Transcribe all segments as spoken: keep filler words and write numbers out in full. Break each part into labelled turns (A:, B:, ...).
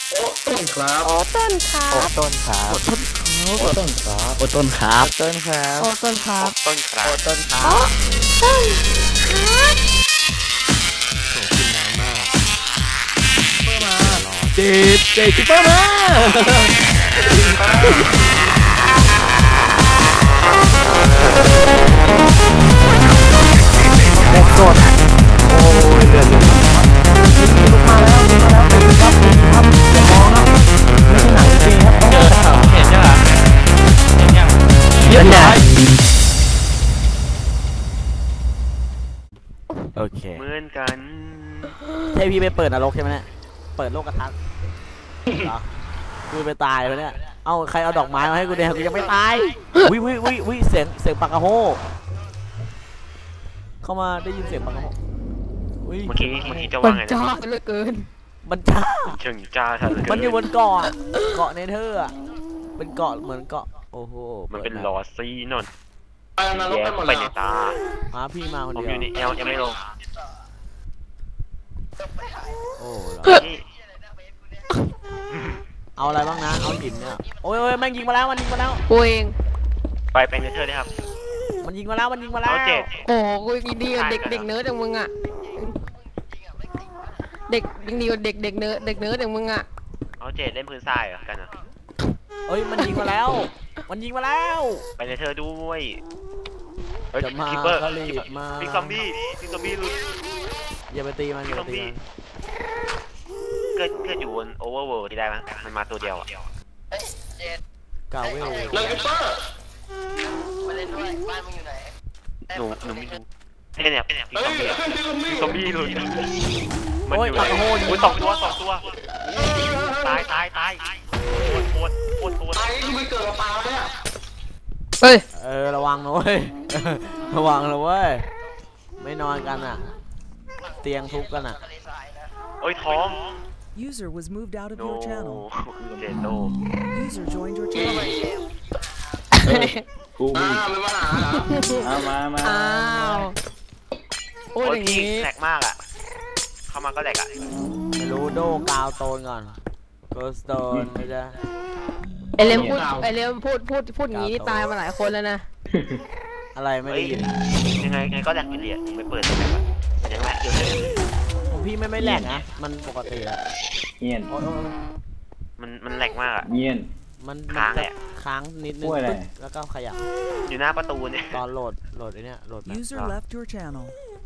A: โอ้ต้นครับ
B: โอ้ต้นครับ
C: โอ้ต้นครับ
A: โอ้ต้นครับ
C: โอ้ต้นครับ
B: ต้นครับ
C: โอ้ต้นครับ
D: ต้นครับ
C: โอ้ต้นครับ
B: โอ้ต้นครับ
C: โอ้กินน้ำมากเพิ่มมาเจดเจดเพิ่มมาเด็กสดโอ้ยเดือดเลยลุกมาแล้วลุกมาแล้วเป็นครับครับอย่ามองครับไม่ใช่หนังจริงครับเจอครับเห็นยังเห็นยังเห็นยังโอเค
D: เหมือนกัน
C: ใช่พี่ไปเปิดนรกใช่ไหมเนี่ยเปิดโลกกระทัดเหรอกูไปตายไปเนี่ยเอ้าใครเอาดอกไม้มาให้กูเนี่ยกูยังไม่ตายวิวิวิวิเสียงเสียงปากกระโฮเข้ามาได้ยินเสียงปากกระโฮ
D: เมื่อกี้เมื่อกี้จะ
B: มั
D: ว่าน ไง
B: จ้าเหลือเกิน
C: มันจ้า
D: เชิงจ้าทัน
C: มันอยู่บนเกาะเกาะเนเธอร์อ่ะเป็นเกาะเหมือนเกาะโอ้โห
D: มันเป็นลอซีนน
A: ไปนรก
D: แย่
A: ไปหมด
D: ไป
A: แล้ว
D: ในตา
C: มาพี่มาคน
D: ผม
C: เดี
D: อ
C: ยว
D: ยู่ในเอลยังไม่ลง
C: โอ้เอาอะไรบ้างนะเอาหินเนี่ยโอ้ยโอ้ยแม่งยิงมาแล้วมันยิงมาแล้ว
B: กูเอง
D: ไปไปในเธอได้ครับ
C: มันยิงมาแล้วมันยิงมาแล้ว
D: เจ็ด
B: โอ้กูยิงดีกว่าเด็กเด็กเนิร์ดอย่างมึงอ่ะเด็กยิงดีกว่าเด็กเด็กเนิร์ดเด็กเนิร์ดอย่างมึงอ่ะ
D: เอาเจ็ดเล่นพื้นทรายเหรอกันอ่ะ
C: เอ้ยมันยิงมาแล้วมันยิงมาแล้ว
D: ไปในเธอด้วยเฮ้ย
C: จะมา
D: คิปเปอร์
C: ก็รีบมา
D: บิ๊กซอมบี้บิ๊กซอมบี้หลุด
C: อย่าไปตีมันอ
D: บิ๊
C: ย่าก
D: ซ
C: ไป
D: อม
C: ตี
D: บี้
C: มัน
D: เกิดเกิดอยู่บนโอเวอร์เวิลด์ที่ได้ไหมมันมาตัวเดียวอ่ะ
C: กาเวล
A: เลกิปเปอร์
D: หนูหนูไม่รู้เนี่ยเนี่ยบิ๊ก
A: เฮ้
D: ซอย มบี้
A: บิ๊กซอมบี้
D: ซอมบี้หลุดมัน
C: โอ้ย
D: อยู่
C: ปากกระโฮ
D: อุ้ยสองตัวสองตัวตายตายตายปวดปวดปวดปวด
A: ไอ้ที่มันเกิดกับปลาเนี่ย
B: เฮ้ย
C: เออระวังนะเว้ยระวังนะเว้ยไม่นอนกันอ่ะเตียงทุบกันอ่ะ
D: เอ้ยท้อง
E: User was moved out of
D: โน
E: your channel.
D: เจนโน
E: User joined your channel.
A: กูมีไม่มาหาเหรอเอามามา
B: อ้าวโอ้ยอย่าง
D: นี้
B: งี้
D: แหลกมากอ่ะเข้ามาก็แหลกอ่ะ
C: ไม่รู้โดกาวโตนก่อนโกสโตนไม่ใช่
B: ไอเลมพูดไอเลมพูดพูดพูดอย่างงี้นี่ตายมาหลายคนแล้วนะ
C: อะไรไม่ได้ยิน
D: ยังไงยังไงก็แหลกอยู่ดีอ่ะไม่เปิดแบบว่ายังแหลกอยู่เลย
C: ของพี่ไม่ไม่แหลกนะมันปกติอะ
A: เงียน
C: โอ้ยโอ้ย
D: มันมันแหลกมากอ่ะ
A: เงียน
C: มัน
D: ค้างเลยอะ
C: ค้างนิดนึง
A: กล้วยอะไร
C: ปึ๊บแล้วก็ขยับ
D: อยู่หน้าประตูเนี่ย
C: ตอนโหลดโหลดไอ้นี่โหลดแบบ
E: User left your channel.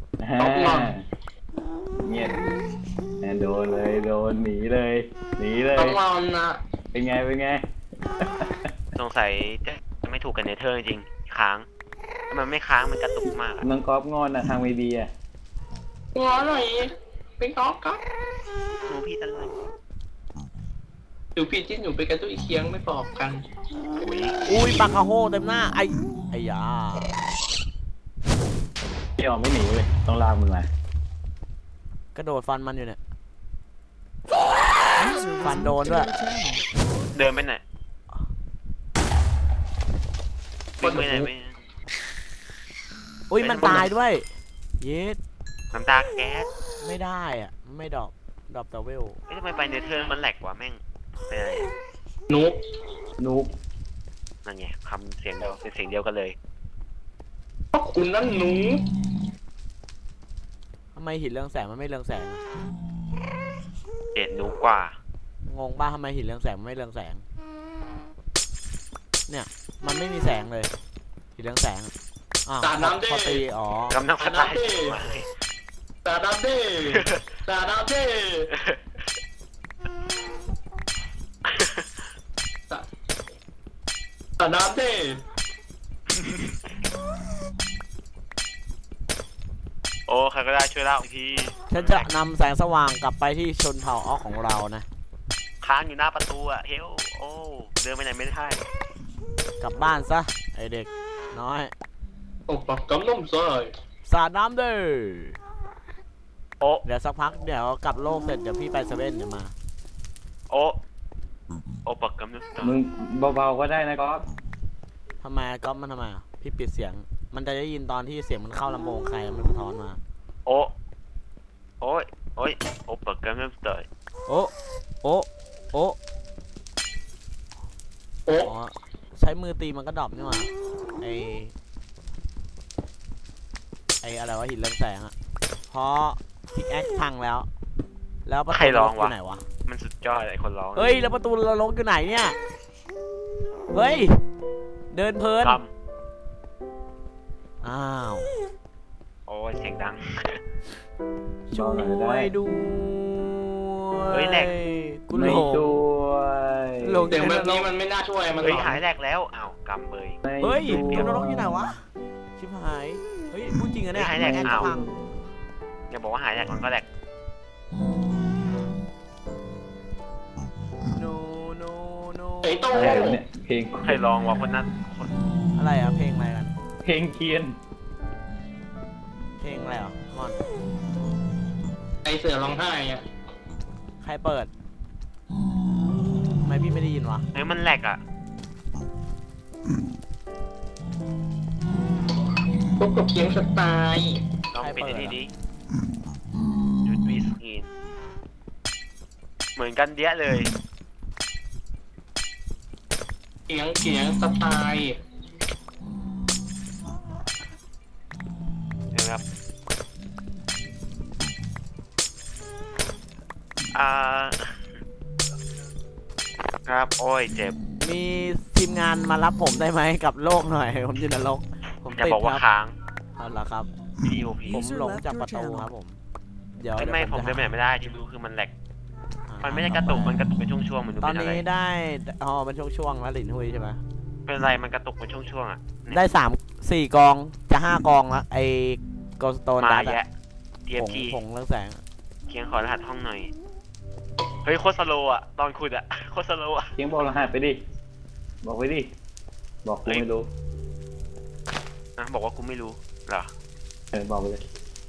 A: เงียนโดนเลยโดนหนีเลยหนีเลย
F: ต้องรอนะ
A: เป็นไงเป็นไง
D: สงสัยจะไม่ถูกกันเนเธอร์จริงค้างมันไม่ค้างมันกระตุกมาก
A: น้องก๊อฟงอนอ่ะทางเวดีอ่ะ
F: งอหน่อยเป็นก๊อกก๊อก
D: หนูพี่ตะลึง
F: ดูพี่จิ้นอยู่ไปกันตุ้ยเคียงไม่บอกกัน
D: อุ้ย
C: อุ้ยปักกระโฮเต็มหน้าไอ้ไอ้ยา
A: พี่ออกไม่หนีเลยต้องลากมึงมาก
C: ระโดดฟันมันอยู่เนี่ย
E: User was
C: Phản
E: moved
C: đồn
E: to
C: đó
E: your
C: ạ.
E: channel.
D: เดินไปไหนวิ่งไปไหนไม่
C: อุ้ยมันตายด้วยเย็ด
D: น้ำตาแก๊ส
C: ไม่ได้อ่ะไม่ดรอปดรอปแต่เวล
D: เอ๊ะทำไมไปเนเธอร์มันแหลกกว่าแม่งเป็นอะไร
F: นุ๊ก
A: นุ๊ก
D: นั่นไงคำเสียงเดียวเป็นเสียงเดียวกันเลย
F: เพราะคุณนั่นหนู
C: ทำไมหินเรืองแสงมันไม่เรืองแสงอะ
D: เจ็ดนูกว่า
C: งงป่ะทำไมหินเรืองแสงมันไม่เรืองแสงเนี่ยมันไม่มีแสงเลยหินเรืองแสงอะอ้าว
F: ตาน้ำเด้
C: พอตีอ๋อก
D: ำลังพัฒนา
F: ตาดำเด้ตาดำเด้ตาดำเด้
D: โอ้ใครก็ได้ช่วยเล่าที
C: ฉันจะนำแสงสว่างกลับไปที่ชนเผ่าออกของเรานะ
D: ค้างอยู่หน้าประตูอะเฮลโอ้เดินไปไหนไม่ได้
C: กลับบ้านซะไอเด็กน้อย
F: โอ้ปักกำน้ำซอย
C: สาดน้ำเด้อ
D: โอ้
C: เดี๋ยวสักพักเดี๋ยวกลับโลกเสร็จเดี๋ยวพี่ไปเซเว่นเดี๋ยวมา
D: โอ้โอ้ปักกำนึกต่อ
A: มึงเบาๆก็ได้นะก๊อฟ
C: ทำไมก๊อฟมันทำไมอะพี่ปิดเสียงมันจะได้ยินตอนที่เสียงมันเข้าลำโพงใครมันสะท้อนมา
D: โอ้โอ้ยโอ้ยโอ้ปักกำนึกต่อ
C: โอ้โอ้โอ้ตีมันก็ดรอปนี่หว่าไอไออะไรวะหินเรืองแสงอะเพราะพิกแอคพังแล้วแล้วประตู
D: ใครร้อง
C: อ
D: วะ
C: ยู่ไหนวะ
D: มันสุดยอดไอ้คนร้อง
C: เฮ้ยแล้วประตูเราลงอยู่ไหนเนี่ยเฮ้ยเดินเพลิน
D: ก
C: อ้าว
D: ำโอ้ยเสียงดัง
C: ช่วยดู
D: เฮ้ยแหลก
C: กูห
A: ไม่
C: ลง
A: ช่วย
C: หลง
F: เสียงแบบนี้มันไม่น่าช่วยมัน
D: เฮ้ย
F: หลอน
D: หายแรกแล้วอ้าวกำเบย
A: ไม่
C: เฮ้ย
A: ช่ว
C: เกมนรกอยู่ไหนวะชิบหายเฮ้ยพูดจริงอะเนี่ย
D: เฮ้ยหายแหลก
C: แอน
D: อ้าว
C: พัง
D: อย่าบอกว่าหายแรกมันก็แรก
C: โนโนโน
F: ไอ้โต้
A: อะไรวะเนี่ยเพลง
D: ใครร้องวะคนนั้นคน
C: อะไรอะเพลงอะไรกัน
A: เพลงเคียน
C: เพลงอะไรอ่ะมอน
F: ไอเสือร้องไห้อะ
C: ใครเปิดทำไมพี่ไม่ได้ยินวะ
D: เฮ้ยมันแหลกอ่ะ
F: พบกับเคียงสไตล์
D: ลองปิดไอ้ทีดิจุดวีสกรีนเหมือนกันเดี้ยเลย
F: เคียงเคียงสไตล์
D: นะครับอ่าครับโอ้ยเจ็บ
C: มีทีมงานมารับผมได้ไหมกับโลกหน่อย ผมอยู่นรกผม
D: จะ
C: ติด
D: บอกว่า
C: ครับ
D: ค้าง
C: เอาละครับ
D: พีโอพี
C: ผมหลงจากประตูครับผม เดี๋ยว
D: ไม่
C: เดี๋ยว
D: ไม่ผม
C: จะ
D: เดินไปไหนไม่ได้ที่รู้คือมันแหลกมันไม่ได้กระตุกมันกระตุกเป็นช่วงๆมันดู
C: ตอ
D: เป็น นอะไร
C: นี้ได้อ๋อเป็นช่วงๆแล้วหลินหุยใช่ไหม
D: เป็นอะไรมันกระตุกเป็นช่วงๆอ่ะเนี่ย
C: ได้สามสี่กองจะห้ากองแล้วไอ้โกลสโตน
D: มา
C: ดัต
D: แยะ
C: ผง
D: ที เอฟ ที
C: ผงเรื่องแสง
D: เคียงขอรหัสห้องหน่อยเฮ้ยโคตรสโลว์อ่ะตอนขุดอ่ะโคตรสโลว์อ่ะ
A: เคียงบอกรหัสไปดิบอกไปดิบอกกูไม่รู้
D: นะบอกว่ากูไม่รู้เหรอ
A: เออบอกไปเลย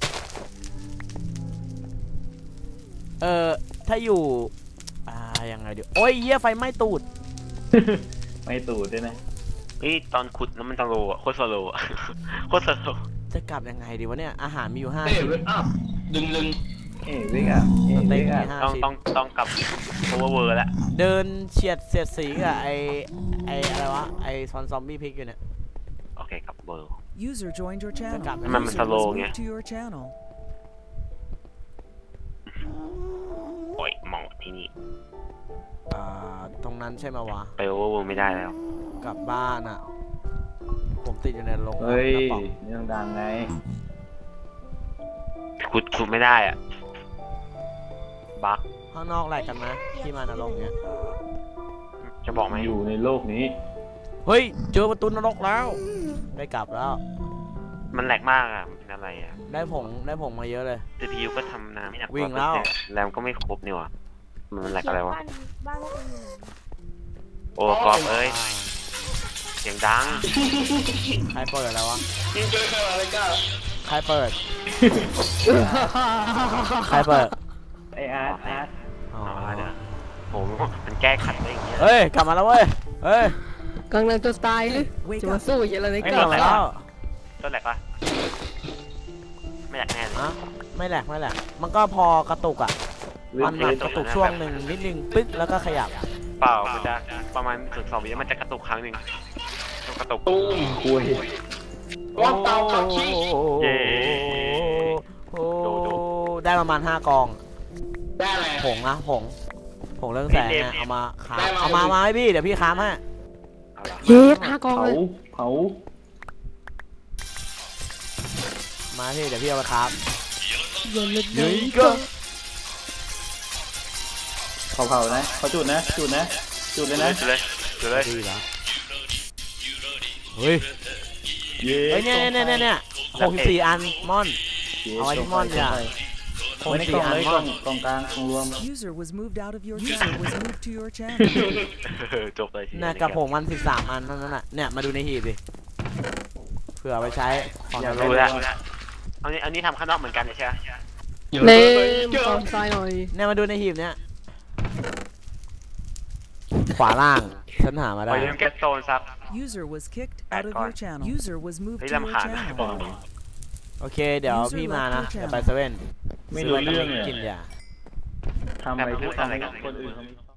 C: เออถ้าอยู่อ่ายังไงเดี๋ยวโอ้ยเหี้ยไฟไหม้ตูด
A: ไม่ตูดด้วยนะ
D: เฮ้ยตอนขุดแล้วมันสโลว์อ่ะโคตรสโลว์อ่ะ โคตรสโลว์
C: จะกลับยังไงดีวะเนี่ยอาหารมีอยู่ห้า
F: เอ้ย
C: ชิ้น
F: เวทอัพดึงดึง
A: เอ้ยวิกอ่ะเอ้ย
C: สเต็
A: วิ
C: ก
A: ก
C: มี
A: อ่ะ
C: ห้า
D: ต้อง
C: ชิ้น
D: ต้องต้องกลับโอเวอร์เวอร์แล้ว
C: เดินเฉียดเสียดสีกับไอไออะไรวะไอซอนซอมบี้พิกอยู่เนี่ย
D: โอเคกลับเบอร์
E: User joined your channel.
C: Cakap.
E: User
D: Memang
E: was
D: slow
E: moved
D: nya.
E: to your channel.
D: โอ้ยมองที่นี่
C: อ่าตรงนั้นใช่ไหมวะ
D: ไปโอเวอร์เวอร์ไม่ได้แล้ว
C: กลับบ้านอ่ะ ผมติดอยู่ในโรง
A: เฮ้ย
C: กระป๋อง
A: เรื่องดังไง
D: ขุดขุดไม่ได้อ่ะบั๊ก
C: ข้างนอกอะไรกันนะที่มานรกเนี่ย
D: จะบอกไหม
A: อยู่ในโลกนี้
C: เฮ้ยเจอประตูนรกแล้ว ได้กลับแล้ว
D: มันแหลกมากอ่ะมันเป็นอะไรอ่ะ
C: ได้ผงได้ผงมาเยอะเลย
D: ซี พี ยู ก็ทำน้ำไม่หนัก
C: วิ่งแล้ว
D: แรมก็ไม่ครบนี่หว่ะมันแหลกอะไรวะ
B: บ้านบ้านพวกคุณอยู่ไหน
D: โอ้กรอบเอ้ยเสียงดัง
C: ใครเปิดแล้ววะ
F: ยิงเจอใครอะไรก้า
C: ใครเปิด ใครเปิด
A: ไออาร์ตอาร์ต
C: อ๋อ
D: เอาละเดี๋ยวโหมันแก้ขัดได้อย่างเงี้ย
C: เฮ้ยกลับมาแล้วเว้ยเฮ้ย
B: กำลังจะตายหรือ
E: Wake
B: จะมา
E: up.
B: สู้อย่างไรใน
C: ไม่
B: ก
C: กลั
B: ลั
C: บบ มาแล้ว
D: ต้นแหลกปะไม่แหลกแน่เลย
C: อะไม่แหลกไม่แหลกมันก็พอกระตุกอ่ะมันเหมือนกระตุกช่วงหนึ่งนิดนึงปึ๊กแล้วก็ขยับ
D: เปล่ามันจะประมาณถึงสองวิแล้วมันจะกระตุกครั้งหนึ่งกระตุก
F: ตูม
A: คุย
F: ว่าเตาคักขี้
D: เย้
C: โอ้ได้ประมาณห้ากอง
F: ได้อะไร
C: ผงนะผงผงเรื่องแสงเนี่ยเอามาค้า
F: ได้มา
C: เอามามาให้พี่เดี๋ยวพี่ค้ามให้
D: เอาละ
B: เย็ดห้ากอง
A: เผา
B: เลย
A: เผา
C: มาพี่เดี๋ยวพี่เอาไปค้าม
B: เย็นเลย
C: เฮ้ยก็
A: เผาเผานะเขาจุดนะจุดนะจุดเลยนะ
D: จุดเลยจุดเลย
C: ดีแล้วเฮ้ย
A: เย้
C: เฮ้ยเนี่ยเนี่ยเนี่ยเนี่ยหกสิบสี่อันม่อนเอาไว้ที่ม่อนเนี่ยหก
A: ไม่
C: สิบ
A: ได้
C: สี่
A: กล่อง
C: อัน
A: เลยก
C: ม่
A: ล่
C: อ
A: อน งกล่องกลางกล่องรวม
E: User was moved out of your channel. Was moved to your channel.
D: จบเลยที
C: เนี่ยกับผงมันสิบสามอันเท่านั้นน่ะเนี่ยมาดูในหีบดิเผื่อเอาไปใช้ของ
A: อย่า
C: ใน
D: รู้
C: โลก
D: แล้วอันนี้อันนี้ทำข้างนอกเหมือนกันใช่ไหม
B: เล่มกองทรายหน่อย
C: เนี่ยมาดูในหีบเนี่ยขวาล่างฉันหามา
D: ไป
C: ได้
D: เล่นแกโซนซับ
E: User was kicked out of your channel. User was moved
D: เฮ้ย
E: to your
D: ลำคาญ
E: channel.
C: โอเคเดี๋ยวพี่มานะเดี๋ยวไปเซเว่น
A: ไม่รู้เรื่องเลย
C: กินยา
A: ทำอะไรที่ทำให้คนอื่นเขาไม่